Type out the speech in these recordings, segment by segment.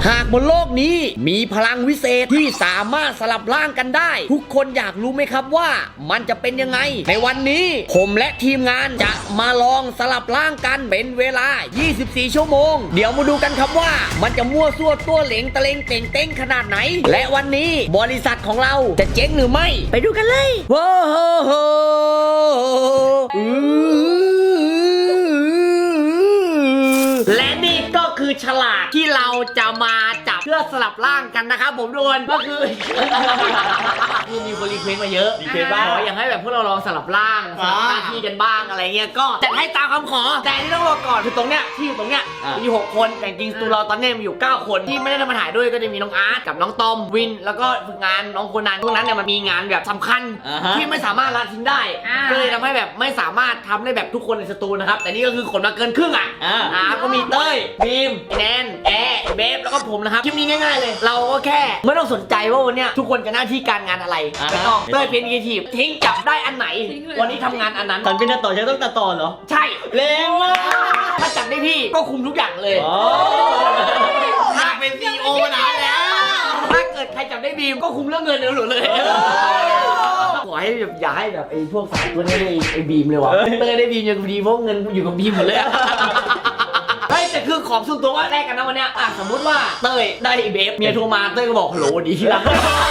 หากบนโลกนี้มีพลังวิเศษที่สามารถสลับร่างกันได้ทุกคนอยากรู้ไหมครับว่ามันจะเป็นยังไงในวันนี้ผมและทีมงานจะมาลองสลับร่างกันเป็นเวลา24ชั่วโมงเดี๋ยวมาดูกันครับว่ามันจะมั่วซั่วตัวเหลงตะเลงเต่งเต้งขนาดไหนและวันนี้บริษัทของเราจะเจ๊งหรือไม่ไปดูกันเลยว้าวและนี่ก็คือฉลากที่เราจะมาจับเพื่อสลับร่างกันนะครับผมทุกคนก็คือมีคนรีเควสมาเยอะขออย่างให้แบบพวกเราลองสลับร่างสลับหน้าที่กันบ้างอะไรเงี้ยก็จัดให้ตามคำขอแต่ที่ต้องบอกก่อนคือตรงเนี้ยที่อยู่ตรงเนี้ยมี6คนแต่จริงๆตัวเราตอนนี้มีอยู่9คนที่ไม่ได้มาถ่ายด้วยก็จะมีน้องอาร์ตกับน้องตอมวินแล้วก็ฝึกงานน้องคนนั้นพวกนั้นเนี่ยมันมีงานแบบสำคัญที่ไม่สามารถละทิ้งได้ก็เลยทำให้แบบไม่สามารถทำได้แบบทุกคนในสตูนะครับแต่นี่ก็คือขนมาเกินครึ่งก็มีเต้ยบีมแนนแอร์เบฟแล้วก็ผมนะครับคลิปนี้ง่ายๆเลยเราก็แค่ไม่ต้องสนใจว่าวันนี้ทุกคนจะหน้าที่การงานอะไรไม่ต้องเต้ยเป็นครีเอทีฟทิ้งจับได้อันไหนวันนี้ทำงานอันนั้นตอนเป็นตัดต่อใช้ต้องตัดต่อเหรอใช่เร็วมากถ้าจับได้พี่ก็คุมทุกอย่างเลยถ้าเป็นซีโอนะแล้วถ้าเกิดใครจับได้บีมก็คุมเรื่องเงินเลยขอให้แบบอย่าให้แบบไอ้พวกสายตัวนี้ไอ้บีมเลยว่ะเต้ยได้บีมยังดีเพราะเงินอยู่กับบีมหมดเลยเฮ้ยแต่คือของส่วนตัวว่าแรกกันนะวันเนี้ยสมมติว่าเต้ยได้เบฟเมียโทรมาเต้ยก็บอกฮัลโหลดีที่รัก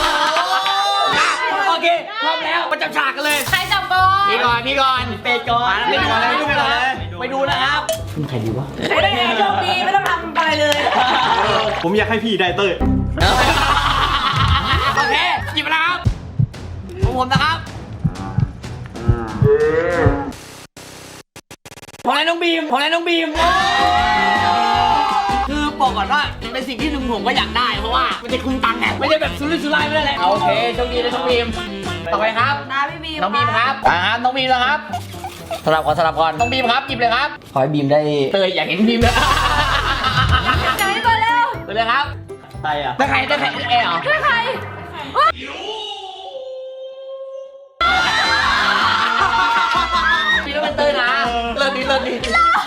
โอเคพร้อมแล้วมาจับฉากกันเลยใครจับก่อนพี่ก่อนเป็ดก่อนไปดูนะครับเป็นใครดีวะใครได้โชคดีไม่ต้องทำอะไรเลยผมอยากให้พี่ได้เต้ยโอเคหยิบมาแล้วครับผมนะครับของน้องบีมคือบอกก่อนว่าเป็นสิ่งที่ผมก็อยากได้เพราะว่ามันจะคุ้มตังค์ไงไม่ใช่แบบสุรุ่ยสุร่ายไม่ได้เลยโอเคโชคดีนะน้องบีมต่อไปครับน้องบีมครับน้องบีมแล้วครับสลับก่อนน้องบีมครับหยิบเลยครับขอให้บีมได้เตยอยากเห็นบีมเลยจะให้เปิดเร็วเปิดเลยครับใครอ่ะได้ใครเอ๋เหรอใครบีมเป็นเตยนะเลิศดีบีมต้องเดิน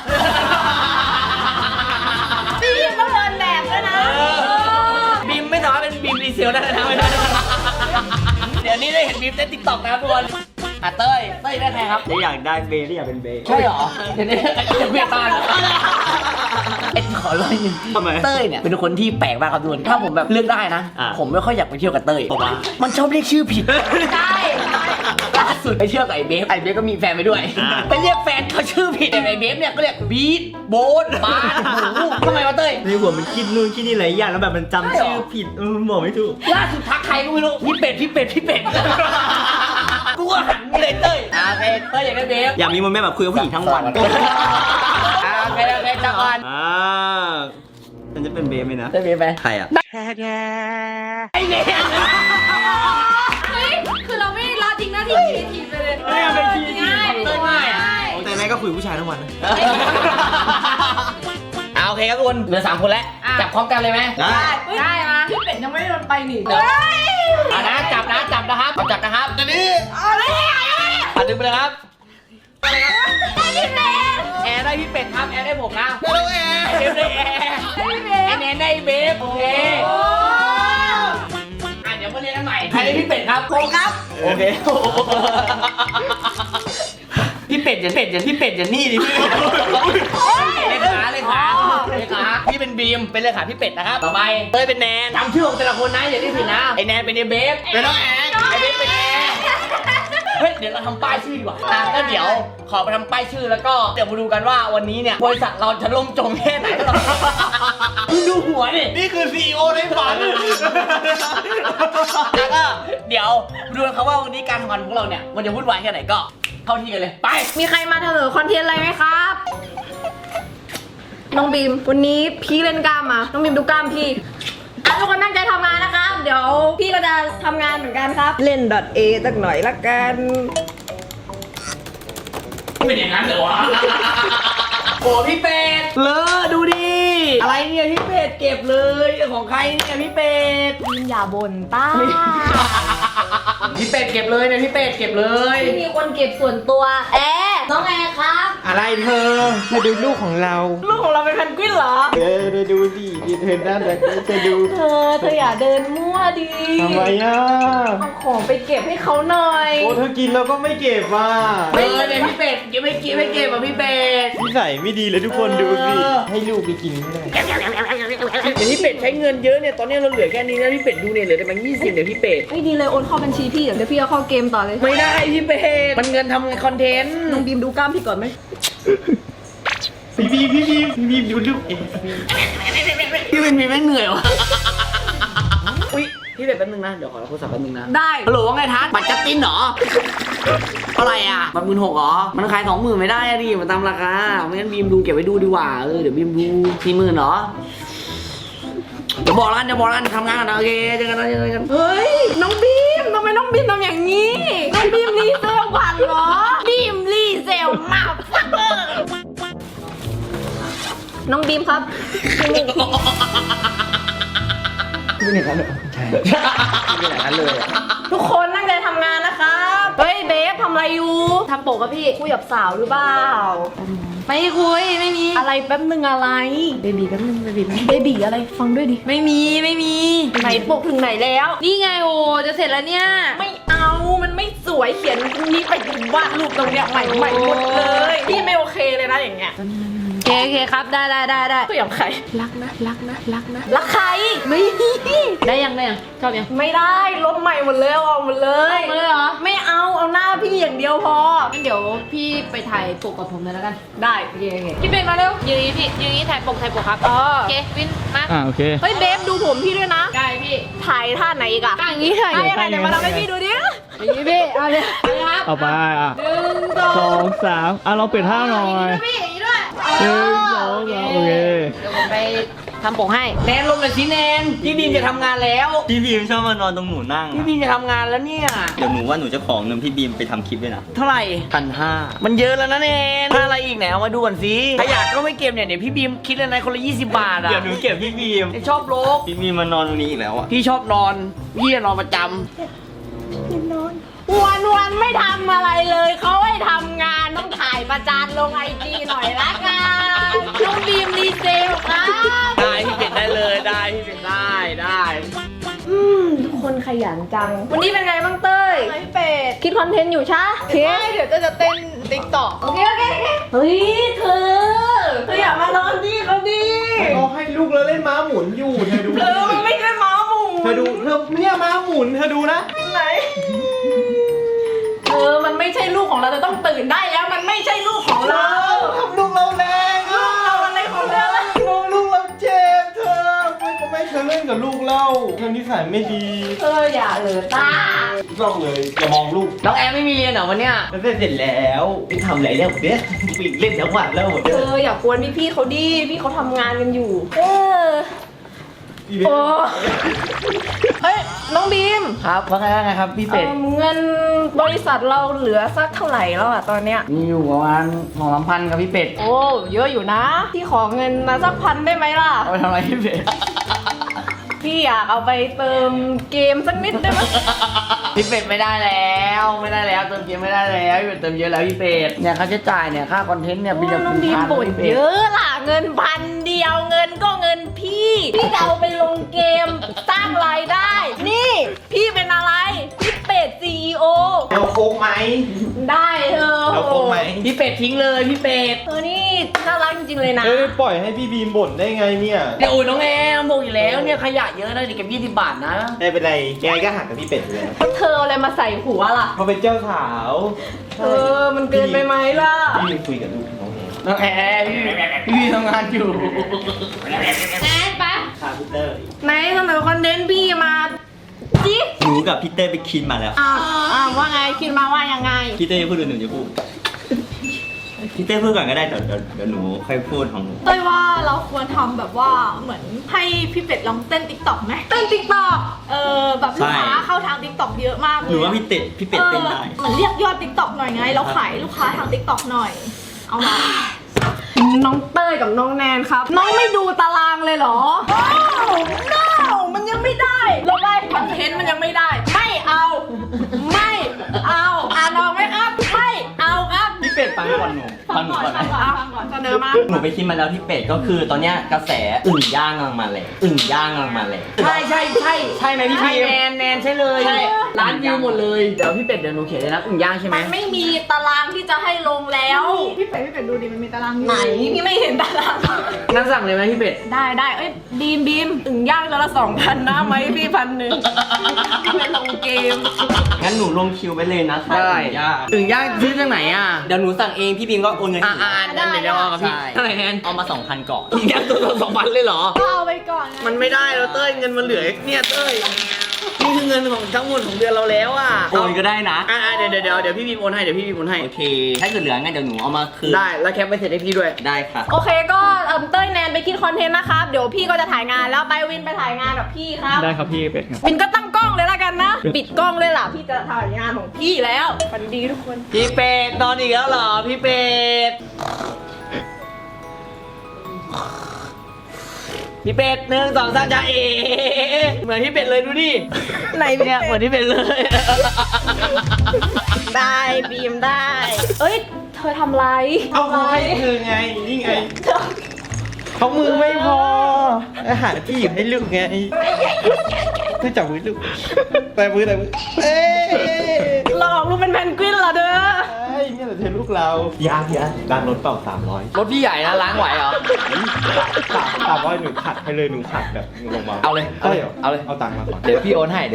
แบบด้วยนะบีมไม่สามารถเป็นบีมรีเซลได้นะเดี๋ยวนี้ได้เห็นบีมเต้นติ๊กต็อกนะครับทุกคนเต้ยได้ใครครับได้อยากได้เบย์ได้อยากเป็นเบย์ใช่เหรอเดี๋ยวนี้จะเพี้ยตาขอร้อยนึงทำไมเต้ยเนี่ยเป็นคนที่แปลกมากครับทุกคนถ้าผมแบบเลือกได้นะผมไม่ค่อยอยากไปเที่ยวกับเต้ยมันชอบเรียกชื่อผิดใช่ล่าสุดไปเที่ยวกับไอ้เบฟก็มีแฟนไปด้วยไปเรียกแฟนเขาชื่อผิดไอ้เบฟเนี่ยก็เรียกบีทโบ๊ทบาสทำไมวะเต้ยในหัวมันคิดนู่นคิดนี่หลายอย่างแล้วแบบมันจำชื่อผิดบอกไม่ถูกล่าสุดทักใครก็ไม่รู้พี่เป็ดกูก็หันเลยเต้ยโอเคเต้ยอยากได้เบฟอยากมีโมเมนต์แบบคุยกับผู้หญิงทั้งวันโอเคจังก่อนมันจะเป็นเบฟไหมนะได้เบฟไหมใครอ่ะไอ้เนี่ยเฮ้ยคือเราไม่รอจริงนะที่ทีไปเลยไม่เป็นทีง่ายแต่นายก็คุยผู้ชายทั้งวันนะโอเคครับทุกคนเหลือ3คนแล้วจับพร้อมกันเลยไหมได้มาพี่เป็ดยังไม่โดนไปหนินะจับนะครับจับนะครับตอนนี้ดึงไปเลยครับแอร์ได้พี่เป็ดครับแอร์ได้ผมนะแล้วแอร์เบฟได้แอร์ไอแนนได้เบฟโอเคเดี๋ยวมาเรียนกันใหม่ใครได้พี่เป็ดครับผมครับโอเคพี่เป็ดอย่านี่ดิพี่เลขาพี่เป็นบีมเป็นเลขาพี่เป็ดนะครับต่อไปเต้ยเป็นแนนจำชื่อของแต่ละคนนะอย่าได้ผิดนะไอแนนเป็นไอเบฟเป็นน้องแอนไอเบฟเป็นแอนเฮ้ยเดี๋ยวเราทำป้ายชื่อดีกว่าก็เดี๋ยวขอไปทำป้ายชื่อแล้วก็เดี๋ยวมาดูกันว่าวันนี้เนี่ยบริษัทเราจะล่มจมแค่ไหนหรอดูหัวนี่คือ CEO ในฝันแล้วก็เดี๋ยวดูกันครับว่าวันนี้การทำงานของเราเนี่ยมันจะวุ่นวายแค่ไหนก็เข้าที่กันเลยไปมีใครมาเสนอคอนเทนต์อะไรไหมครับน้องบีมวันนี้พี่เล่นกล้ามมาน้องบีมดูกล้ามพี่ทุกคนตั้งใจทำงานนะครับเดี๋ยวพี่ก็จะทำงานเหมือนกันครับเล่น .a สักหน่อยละกันเป็นอย่างนั้นเหรอวะโอ้พี่เป็ดเลอดูดิอะไรเนี่ยพี่เป็ดเก็บเลยของใครเนี่ยพี่เป็ดอย่าบ่นป้าพี่เป็ดเก็บเลยเนี่ยพี่เป็ดเก็บเลยมีคนเก็บส่วนตัวน้องแอร์ครับอะไรเธอมาดูลูกของเราลูกของเราเป็นแพนกวินเหรอเธอดูสิเธอน่ารักเธอดูเธออย่าเดินมั่วดิทำไมอ่ะเอาของไปเก็บให้เขาหน่อยโอ้เธอกินแล้วก็ไม่เก็บว่ะเนี่ยพี่เป็ดยังไม่กินไม่เก็บอ่ะพี่เป็ดนิสัยไม่ดีเลยทุกคนดูสิให้ลูกไปกินไม่ได้เดี๋ยวพี่เป็ดใช้เงินเยอะเนี่ยตอนนี้เราเหลือแค่นี้นะพี่เป็ดดูเนี่ยเหลือแต่แบงค์20เดี๋ยวพี่เป็ดไม่ดีเลยโอนเข้าบัญชีพี่เดี๋ยวพี่เอาเข้าเกมต่อเลยไม่ได้พี่เป็ดมันเงินทำคอนเทนต์น้องบีมดูกล้ามพี่ก่อนไหมพี่บีมดูลูกเองพี่เป็นมีแม่งเหนื่อยวะอุ้ยพี่เป็ดแป๊บนึงนะเดี๋ยวขอรับโทรศัพท์แป๊บนึงนะได้ฮัลโหลว่าไงทัศน์บัตรจัดตินเหรอเท่าไหร่อ่ะบัตร16,000เหรอมันขาย20,000ไม่ได้อะดิมันตามราคาไม่งั้นบีมดูเก็บไว้ดูดีกว่าเดี๋ยวบีมดู40,000เหรอเดี๋ยวบอกร้านทำงานกันนะโอเคเจอกันเฮ้ยน้องบีมทำไมน้องบีมทำอย่างนี้น้องบีมรีเซลบัตรเหรอบีมรีเซลมาฟักเกอร์น้องบีมครับไม่อย่างนั้นเลยใช่ไม่อย่างนั้นเลยอะทุกคนตั้งใจทำงานนะครับเฮ้ยเบฟทำอะไรอยู่ทำโปกกับพี่คุยกับสาวหรือเปล่าไม่คุยไม่มีอะไรแป๊บนึงอะไรเบบีแป๊บนึงเบบีอะไรฟังด้วยดิไม่มีไหนปกถึงไหนแล้วนี่ไงโอจะเสร็จแล้วเนี่ยไม่เอามันไม่สวยเขียนนี้ไปถึงวาดรูปตรงเนี้ยใหม่หมดเลยพี่ไม่โอเคเลยนะอย่างเงี้ยโอเคครับได้ตัวอย่างใครรักนะรักใครไม่ได้ยังชอบยังไม่ได้ลบใหม่หมดเลยเอาหมดเลยเหรอไม่เอาหน้าพี่อย่างเดียวพองั้นเดี๋ยวพี่ไปถ่ายปกกับผมเลยแล้วกันได้โอเคพี่เป็นมาเร็วยืนพี่ยืนถ่ายปกครับอ๋อโอเควินมาโอเคเฮ้ยเบฟดูผมพี่ด้วยนะได้พี่ถ่ายท่าไหนอีกอะถ่ายอย่างนี้ถ่ายยังไงเดี๋ยวมาทำให้พี่ดูดิอย่างนี้พี่เอาเลยครับเอาไปอ่ะ 1 2 2 3เราเปลี่ยนท่าหน่อยพี่อย่างนี้ด้วย 1 2 3โอเคเดี๋ยวผมไปทำปกให้แนนลงหน่อยสิแนนพี่บีมจะทำงานแล้วพี่บีมชอบมานอนตรงหนูนั่งพี่บีมจะทำงานแล้วเนี่ยเดี๋ยวหนูว่าหนูจะขอเงินพี่บีมไปทำคลิปด้วยนะเท่าไหร่ 1,500 มันเยอะแล้วนะแนนถ้าอะไรอีกไหนเอามาดูก่อนสิถ้าอยากก็ไม่เก็บเนี่ยเดี๋ยวพี่บีมคิดเลยนะคนละ20 บาทอ่ะเดี๋ยวหนูเก็บพี่บีมไอ้ชอบโลกพี่บีมมานอนตรงนี้อีกแล้วอ่ะพี่ชอบนอนพี่จะนอนประจวันไม่ทำอะไรเลยเขาให้ทำงานต้องถ่ายประจานลงไอจีหน่อยละกันน้องบีมรีเซลครับำได้พี่เป็ดได้เลยได้พี่เป็ดได้ทุกคนขยันจัง วันนี้เป็นไงบ้างเต้ยไม่เป็ดคิดคอนเทนต์อยู่ใช่โอเคไม่เดี๋ยวจะเต้นติ๊กต็อกโอเคเฮ้ยเธออย่ามานอนที่เขาดิเขาให้ลูกแล้วเล่นม้าหมุนอยู่เธอดูมันไม่ใช่หมาหมูเธอดูเนี่ยม้าหมุนเธอดูนะไหนมันไม่ใช่ลูกของเราเราต้องตื่นได้แล้วมันไม่ใช่ลูกของเราทำลูกเราแรงอ่ะเราอะไรของเราล่ะลูกเราเจ็บเธอไม่เธอเล่นกับลูกเราเธอนิสัยไม่ดีอย่าเลยตาต้องเลยอย่ามองลูกน้องแอมไม่มีเรียนเหรอวันเนี้ยแล้วเสร็จแล้วไปทำอะไรแล้วเนี่ยเล่นทั้งวันแล้วหมดเนี่ยอย่ากวนพี่เขาดิพี่เขาทำงานกันอยู่โอ้เฮ้ยน้องบีมครับว่าไงครับพี่เป็ดเงินบริษัทเราเหลือสักเท่าไหร่แล้วอะตอนเนี้ยมีอยู่ประมาณ2-3,000ครับพี่เป็ดโอ้เยอะอยู่นะพี่ขอเงินมาสัก1,000ได้ไหมล่ะเอาไปทำอะไรพี่เป็ดพี่อยากเอาไปเติมเกมสักนิดได้ไหมพี่เป็ดไม่ได้แล้วเติมเกมไม่ได้แล้วพี่เป็ดเติมเยอะแล้วพี่เป็ดเนี่ยค่าใช้จ่ายเนี่ยค่าคอนเทนต์เนี่ยพี่จะน้องบีมบ่นเยอะล่ะเงิน1,000เดียวเงินก็เงินพี่จะเอาไปลงเกมสร้างรายได้ นี่พี่เป็นอะไรพี่เป็ด CEO เอาโค้งไหมได้เอาโค้งไหมพี่เป็ดทิ้งเลยพี่เป็ดนี่น่ารักจริงๆเลยนะปล่อยให้พี่บีมบ่นได้ไงเนี่ยเนี่ยโอ้ยน้องแอมบอกอยู่แล้วเนี่ยขยะเยอะนะเดี๋ยวเก็บ20 บาทนะไม่เป็นไรยังไงก็หักกับพี่เป็ดอยู่แล้วเธอเอาอะไรมาใส่หัวล่ะเขาเป็นเจ้าสาวมันเกินไปไหมล่ะพี่บีมคุยกับลูกน้องเองน้องแอมพี่ทำงานอยู่แอนปะค่ะพี่เตอร์ไหนเสนอคอนเทนต์พี่มาจิหนูกับพี่เต้ไปคินมาแล้วว่าไงคิดมาว่ายังไงพี่เต้จะพูดหรือหนูจะพูดพี่เต้พูดก่อนก็ได้เดี๋ยวหนูค่อยพูดของหนูเต้ยว่าเราควรทำแบบว่าเหมือนให้พี่เป็ดลองเต้นติ๊กต็อกไหมเต้นติ๊กต็อกแบบลูกค้าเข้าทางติ๊กต็อกเยอะมากเลยหนูว่าพี่เป็ดเต้นได้เหมือนเรียกยอดติ๊กต็อกหน่อยไงเราขายลูกค้าทางติ๊กต็อกหน่อย เอามาน้องเต้ยกับน้องแนนครับ น้องไม่ดูตารางเลยเหรอno มันยังไม่ได้เราได้คอนเทนต์มันยังไม่ได้ ไม่เอาฟังหนูก่อนไหมเสนอมาหนูไปคิดมาแล้วที่เป็ดก็คือตอนเนี้ยกระแสอึ่งย่างกำลังมาแรงอึ่งย่างกำลังมาแรงใช่ใช่ใช่ใช่ไหมพี่ใช่พีแนนใช่เลยใช่ร้านวิวหมดเลยเดี๋ยวพี่เป็ดเดี๋ยวหนูเขียนเลยนะอึ่งย่างใช่ไหมมันไม่มีตารางที่จะให้ลงแล้วพี่เป็ดดูดิมันมีตารางอยู่ไหนพี่ไม่เห็นตารางงั้นสั่งเลยไหมพี่เป็ดได้เอ้ยบีมอึ่งย่างตัวละ 2,000 นะไหมพี่1,100พี่เป็นลงเกมงั้นหนูลงคิวไปเลยนะถ้าได้อึ่งย่างอึ่งย่างซื้อจากไหนอ่ะเดี๋ยวหนูสั่งเองพี่บีมก็โอนเงินให้หนูนั่นเดี๋ยวเอากับพี่ใช่เท่าไหร่แนนเอามา 2,000 ก่อนอึ่งย่างตัวละ2,000เลยเหรอก็เอาไปก่อนไงมันไม่ได้แล้วเต้ยเงินมันเหลือเนี่ยเต้ยนี่คือเงินของทั้งหมดของเดือนเราแล้วอ่ะโอนก็ได้นะเดี๋ยวพี่บีมโอนให้เดี๋ยวพี่บีมโอนให้โอเค ถ้าเกิดเหลืองั้นเดี๋ยวหนูเอามาคืนได้แล้วแคปไปเสร็จให้พี่ด้วยได้ค่ะโอเคก็เต้ยแนนไปคิดคอนเทนต์นะครับ เดี๋ยวพี่ก็จะถ่ายงานแล้วไปวินไปถ่ายงานกับพี่ครับได้ครับพี่เป็ดครับวินก็ตั้งกล้องเลยละกันนะ ปิดกล้องเลยล่ะพี่จะถ่ายงานของพี่แล้วฝันดีทุกคนพี่เป็ดนอนอีกแล้วเหรอพี่เป็ดพี่เป็ด1 2 3จ้าเอเหมือนพี่เป็ดเลยดูดิไหนเนี่ยเหมือนพี่เป็ดเลยได้บีมได้ เอ้ยเธอทำไรเอาเขาให้เธอไง นี่ไง เขามือไม่พออาหารที่หยิบให้ลูกไงเธอจับมือลูกแต่มือเอ้ยหลอกลูกเป็นแพนกวินเหรอเด้อไอ้เนี่ยแหละเธอลูกเรายากล้างรถเปล่า300 รถพี่ใหญ่นะล้างไหวเหรอ 300หนูขัดให้เลยหนูขัดแบบลงมาเอาเลยได้เหรอเอาเลยเอาตังค์มาก่อนเดี๋ยวพี่โอนให้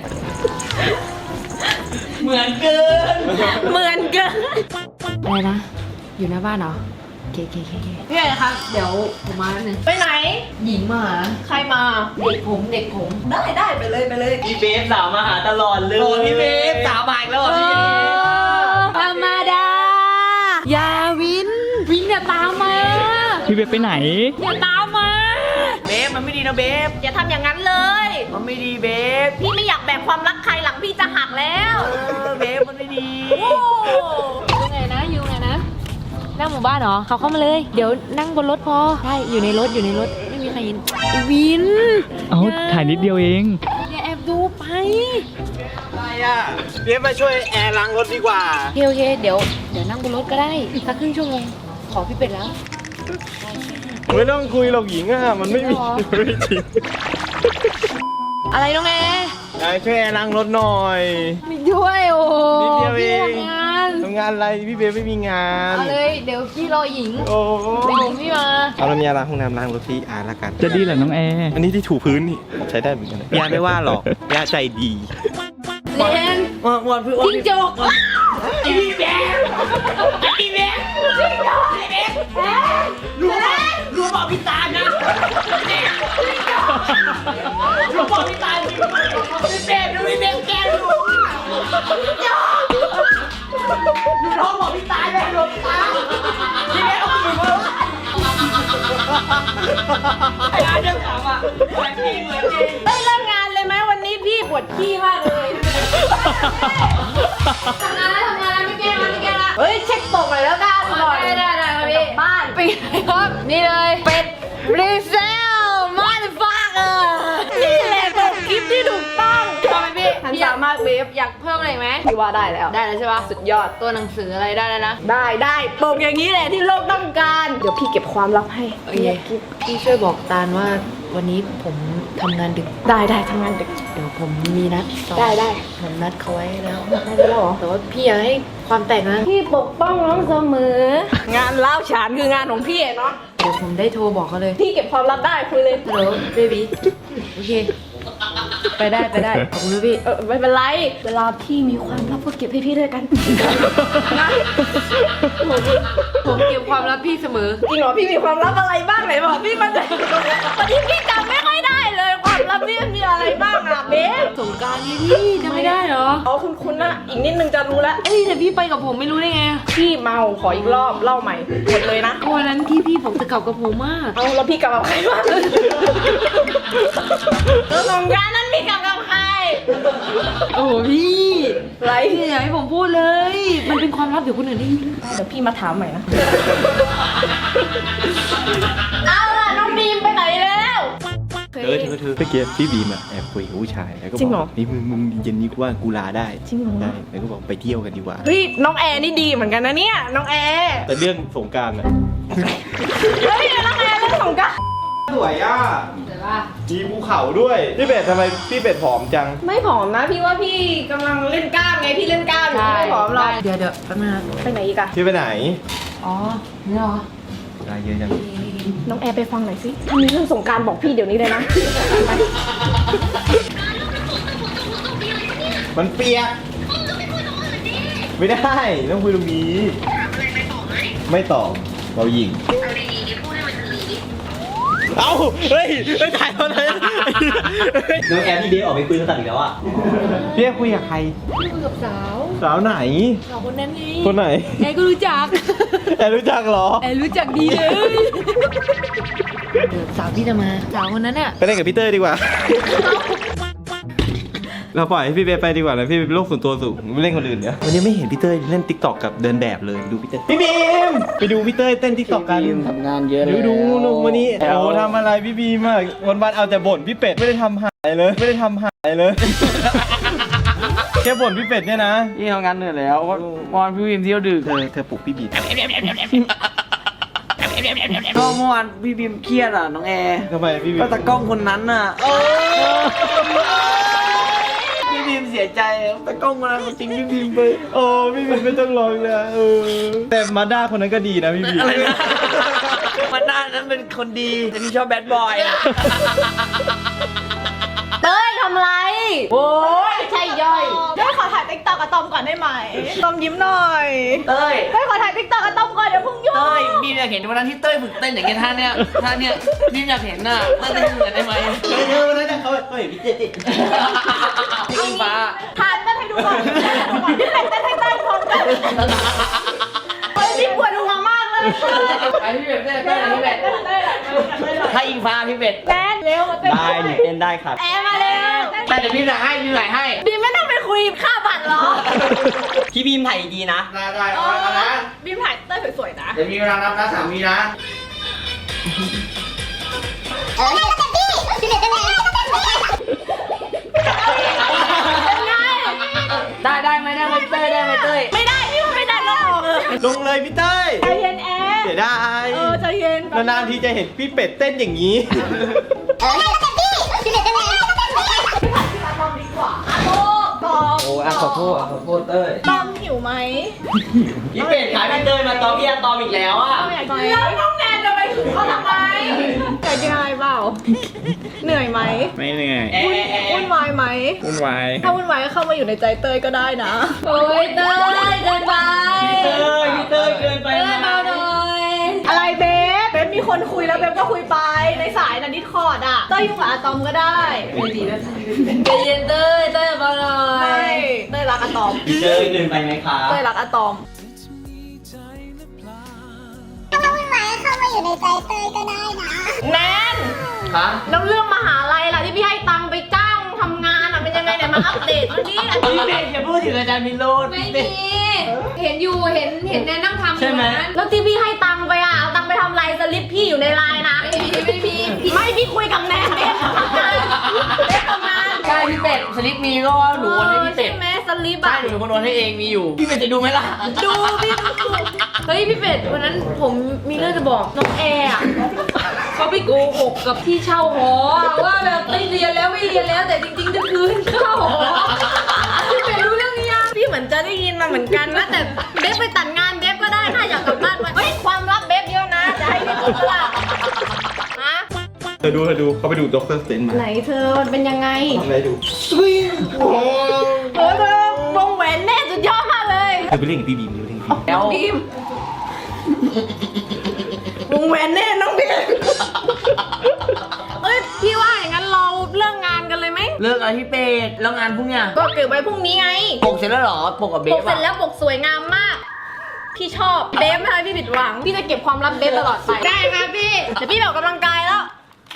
เหมือนเกินเหมือนกันอะไรนะ อยู่หน้าบ้านเหรอเคพี่ใหญ่ครับ เดี๋ยวผมมาแล้วนึงไปไหนหญิงมาหาใครมาเด็กผมได้ไปเลยพี่เบฟสาวมาหาตลอดเลยโอ้พี่เบฟสาวใหม่แล้วเหรอพี่ธรรมดา อย่าวินอย่าตามมาพี่เบไปไหนอย่าตามมาเบฟมันไม่ดีนะเบฟอย่าทำอย่างนั้นเลยมันไม่ดีเบฟพี่ไม่อยากแบ่งความรักใครหลังพี่จะหักแล้วเบฟมันไม่ดีโอ้อยู่ไงนะนั่งหมู่บ้านเหรอเขาเข้ามาเลย เดี๋ยวนั่งบนรถพอใช่อยู่ในรถไม่มีใครเห็นไอ้วินเอาถ่ายนิดเดียวเองอย่าแอบดูไปอะไรอ่ะเบมาช่วยแอร์ล้างรถดีกว่าโอเคเดี๋ยวนั่งบนรถก็ได้สักครึ่งชั่วโมงขอพี่เป็ดแล้วไม่ต้องคุยหรอกหญิงอ่ะ มันไม่มีหรอไม่จริงอะไรน้องแอยายช่วยแอร์ล้างรถหน่อยไม่ด้วยโอ้โหนิดเดียวเองพี่ทำงานทำงานอะไรพี่เบไม่มีงานเอาเลยเดี๋ยวพี่รอหญิงโอ้เดี๋ยวหญิงพี่มาเอาแล้วมีอะไรห้องน้ำล้างรถที่อาร์ละกันจะดีเหรอน้องแอร์อันนี้ที่ถูพื้นนี่ใช้ได้เหมือนกันนะยาไม่ว่าหรอกยาใจดีเลนวันพี่จิ้งจกไอ้พี่เบฟรู้บอกพี่ตานะรู้บอกพี่ตาพี่เบฟดูพี่เบฟแกดูน้องบอกพี่ตาเลยหลบตาพี่เบฟเอามือมาไอ้อาเรื่องถามอ่ะเหมือนจริงเฮ้ยเลิกงานเลยไหมวันนี้พี่ปวดขี้มากเลยทำงานแล้วไม่แก้ละเฮ้ยเช็คตกหน่อยแล้วกันก่อนได้ครับพี่บ้านปีครับนี่เลยเป็ดรีเซลมาดฟักนี่แหละตกคลิปที่ถูกต้องทำไมพี่ทันสามารถเวฟอยากเพิ่มอะไรไหมพี่ว่าได้แล้วได้แล้วใช่ปะสุดยอดตัวหนังสืออะไรได้แล้วนะได้ปกอย่างนี้แหละที่โลกต้องการ เดี๋ยวพี่เก็บความลับให้โอเคพี่ช่วยบอกตาลว่าวันนี้ผมทำงานดึกได้ทำงานดึกเดี๋ยวผมมีนัดต่อได้ผมนัดเขาไว้แล้วได้แล้วเหรอแต่ว่าพี่อย่าให้ความแตกนะพี่ปกป้องน้องเสมอ งานเล่าฉานคืองานของพี่เนาะเดี๋ยวผมได้โทรบอกเขาเลยพี่เก็บความลับได้คุยเลยฮัลโหลเบบี้โอเคไปได้ขอบคุณนะพี่ไม่เป็นไร เวลาพี่มีความลับก็เก็บให้พี่ด้วยกันนะผมเก็บความลับพี่เสมอจริงเหรอพี่มีความลับอะไรบ้างไหนบอกพี่มันจะวันนี้พี่จำไม่ค่อยได้เลยความลับพี่มันมีอะไรบ้างอะเบสสงกรารนี้พี่จะไม่ได้เหรออ๋อคุณนะอีกนิดนึงจะรู้แล้วเอ้ยแต่พี่ไปกับผมไม่รู้ได้ไงพี่เมาขออีกรอบเล่าใหม่หมดเลยนะวันนั้นพี่ผมจะกลับกับผมมากเอาแล้วพี่กลับกับใครวะแล้วสงกรานต์นั้นพี่กลับกับใครโอ้พี่ไรพี่อย่าให้ผมพูดเลย มันเป็นความลับเดี๋ยวคนอื่นได้ยินเดี๋ยวพี่มาถามใหม่นะเอาล่ะน้องบีมไปไหนแล้วโอเคเธอเมื่อกี้พี่บีมอะแอบคุยกับผู้ชายแล้วก็จริงบเหรออกนี่มึงเย็นนี้กูว่ากูลาได้จริงเหรอได้แล้วก็บอกไปเที่ยวกันดีกว่าเฮ้ยน้องแอร์นี่ดีเหมือนกันนะเนี่ยน้องแอร์แต่เรื่องสงกรานต์อะเฮ้ยน้องแอร์เรื่องของกันสวยอ่ะมีภูเขาด้วยพี่เป็ดทำไมพี่เป็ดผอมจังไม่ผอมนะพี่ว่าพี่กำลังเล่นกล้ามไงพี่เล่นกล้ามอยู่ไม่ผอมหรอกเดี๋ยวแป๊บนึงไปไหนอีกอะพี่ไปไหนอ๋อนี่เหรอลาเยอะจังน้องแอร์ไปฟังหน่อยสิถ้ามีเรื่องสงกรารบอกพี่เดี๋ยวนี้เลยนะมันเปียกไม่ได้ต้องคุยตรงนี้ไม่ตอบเรายิงเอ้าเฮ้ยถ่ายมาเลยน้องแอร์พี่เบฟออกไปคุยโทรศัพท์อีกแล้วอ่ะพี่คุยกับใครคุยกับสาวสาวไหนสาวคนนั้นนี่คนไหนแอร์ก็รู้จักแต่รู้จักเหรอแอร์รู้จักดีเลยสาวที่จะมาสาวคนนั้นน่ะไปเล่นกับพี่เต้ยดีกว่า เราปล่อยให้พี่เบฟไปดีกว่านะพี่เป็นโรคส่วนตัวสูงไม่เล่นคนอื่นเนี่ยวันนี้ไม่เห็นพี่เต้ยเล่นติ๊กต็อกกับเดินแบบเลยดูพี่เต้ยพี่บีมไปดูพี่เต้ยเต้นติ๊กต็อกกันทำงานเยอะเลยดูลงวันนี้โอ้ทำอะไรพี่บีมากวันๆเอาแต่บ่นพี่เป็ดไม่ได้ทำหายเลยไม่ได้ทำหายเลย แค่บ่นพี่เป็ดเนี่ยนะพี่ทำงานเหนื่อยแล้ววอนพี่วิมเที่ยวดึกเธอปลุกพี่บีมก็เมื่อวานพี่บิมเครียดอ่ะน้องแอร์ทำไมพี่บีมก็ตากล้องคนนั้นอ่ะพี่บิมเสียใจตากล้องคนนั้นจริงพี่บิมไปโอ้พี่บีมไม่ต้องร้องเลยแต่มาด้าคนนั้นก็ดีนะพี่บีมอะไรนะมันน่านั้นเป็นคนดีแต่พี่ชอบแบดบอยอะเต้ยทำไรโอ้ยใช่ย่อยเต้ยขอถ่ายติ๊กต็อกกับตอมก่อนได้ไหมตอมยิ้มหน่อยเต้ยเต้ยขอถ่ายติ๊กต็อกกับตอมก่อนเดี๋ยวเพิ่งยุ่งเต้ยบีมอยากเห็นวันนั้นที่เต้ยฝึกเต้นอย่างเงี้ยท่าเนี้ยบีมอยากเห็นน่ะเต้นเหมือนได้ไหมเธอวันนั้นเขาเห็นพี่เต้ยพี่ฟ้าถ่ายเต้นให้ดูก่อนพี่เป็ดเต้นให้เต้ยพร้อมกันเฮ้ยพี่ปวดหัวมากเลยไอพี่เป็ดเต้นพี่เป็ดถ้าอิงฟ้าพี่เป็ดแม่เร็วมาเต้นได้หนูเต้นได้ครับแอร์มาเร็วแต่เดี๋ยวพี่จะให้พี่ไหนให้บีมไม่ต้องไปคุยค่าบัตรหรอพี่บีมถ่ายดีๆนะได้เอานะบีมถ่ายเต้ยสวยๆนะเดี๋ยวมีเวลานับนะ3 วินะ ได้ไหมเต้ยได้ไหมเต้ยไม่ได้พี่มันไม่ได้หรอกลงเลยพี่เต้ยใจเย็นแอร์เสียดายใจเย็นนานๆทีจะเห็นพี่เป็ดเต้นอย่างนี้ตอมโอ้ขอโทษเต้ยตอมหิวไหมพี่เป็ดขายพี่เต้ยมาตอมพี่อะตอมอีกแล้วอ่ะแล้วน้องแนนจะไปถึงเขาทำไมเหนื่อยยังไงเปล่า เหนื่อยไหมไม่เหนื่อยวุ่นวายไหมวุ่นวายถ้าวุ่นวายก็เข้ามาอยู่ในใจเต้ยก็ได้นะโอ้ยเต้ยเกินไปพี่เต้ยเกินไปเต้ยเบาหน่อยอะไรเบฟเบฟมีคนคุยแล้วเบฟก็คุยไปในสายนะดิสคอร์ดอ่ะเต้ยยุ่งกับอะตอมก็ได้ใจเย็นเต้ยเบาหน่อไม่ยเต้ยรักอะตอมพี่เต้ยเดินไปไหมครับเต้ยรักอะตอม แนนฮะแล้วเรื่องมหาลัยล่ะที่พี่ให้ตังค์ไปจ้างทำงานอ่ะเป็นยังไงเนี่ยมาอัปเดตมาดิพี่เป็ดอย่าพูดถึงอาจารย์มิโรดไม่มี เห็นอยู่เห็นแนนนั่งทำอยู่ใช่ไหมนั้นแล้วที่พี่ให้ตังค์ไปอ่ะเอาตังค์ไปทำอะไรสลิปพี่อยู่ในไลน์นะไม่มีไม่พี่คุยกับแนนเบฟทำงานเบฟทำงานใช่พี่เป็ดสลิปมีก็หนูโอนให้พี่เป็ดใช่ไหมสลิปใช่อ่ะหนูเป็นคนโอนให้เองมีอยู่ พี่เป็ดจะดูไหมล่ะดูพี่เฮ้ยพี่เป็ดวันนั้นผมมีเรื่องจะบอกน้องแอร์อะเขาไปโกหกกับที่เช่าหอว่าแบบไม่เรียนแล้วแต่จริงๆจะคืนเข้าหอพี่เป็ดรู้เรื่องนี้ยังพี่เหมือนจะได้ยินมาเหมือนกันนะแต่เบฟไปตัดงานเบฟก็ได้ถ้าอยากกลับบ้านมาเฮ้ยความลับเบฟเยอะนะจะให้พี่รู้ล่ะฮะเธอดูเขาไปดูด็อกเตอร์สเตนมาไหนเธอมันเป็นยังไงทำอะไรดูเฮ้ยเธอวงแหวนแน่สุดยอดมากเลยเธอไปเล่นกับพี่บีมดูเล่นกับพี่บีมแล้วบีมวงแหวนแน่น้องบีมเอ้ยพี่ว่าอย่างนั้นเราเลิกงานกันเลยไหมเลิกอะไรพี่เป็ดแล้วงานพรุ่งเนี้ยก็เก็บไว้พรุ่งนี้ไงปกเสร็จแล้วเหรอปกกับเบปกฟเสร็จอะแล้วปกสวยงามมาก พี่ชอบเบฟไม่ทำให้พี่ผิดหวัง พี่จะเก็บความลับเบฟตลอดไป ได้ครับพี่เดี๋ยวพี่ไปออกกำลังกายแล้ว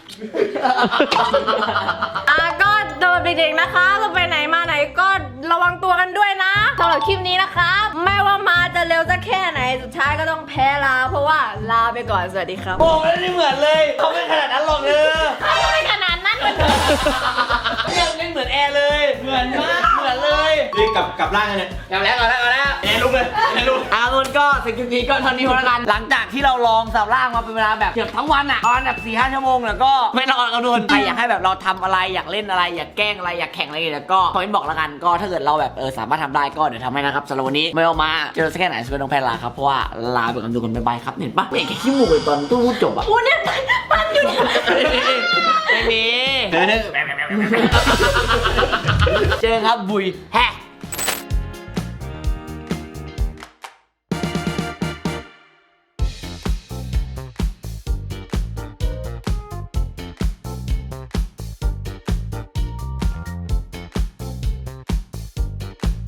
ก็โดนเด็กๆนะคะเราไปไหนมาไหนก็ระวังตัวกันด้วยนะสำหรับคลิปนี้นะคะไม่ว่ามาจะเร็วสักแค่ไหนสุดท้ายก็ต้องแพ้ลาเพราะว่าลาไปก่อนสวัสดีครับโอ้ไม่ได้เหมือนเลยเขาไม่ขนาดนั้นหรอกเนอะไม่ขนาดนั้นไม่เหมือนแอร์เลยเหมือนมากเหมือนเลยนี่กลับร่างกันเนี่ยกลับแล้วแอนลุกเลยแอนลุกมันก็สิ่งที่ก็เท่านี้พอละกัน หลังจากที่เราลองสับล่างมาเป็นเวลาแบบเกือบทั้งวันอ่ะตอนแบบ4-5 ชั่วโมงแล้วก็ไม่นอนกันโดนใครอยากให้แบบเราทำอะไรอยากเล่นอะไรอยากแกล้งอะไรอยากแข่งอะไรแล้วก็คอมเมนต์บอกละกันก็ถ้าเกิดเราแบบสามารถทำได้ก็เดี๋ยวทำให้นะครับสำหรับวันนี้ไม่เอามาเจอสักแค่ไหนสวัสดีน้องแพรลาครับเพราะว่าลาไปกับทุกคนบ๊ายบายครับเห็นปะไม่เห็นแค่ขี้มูกเลยตอนตู้พูดจบอ่ะกูเนี่ยปั้นอยู่เนี่ยไม่มีเดี๋ยวเจอครับบุยแฮะ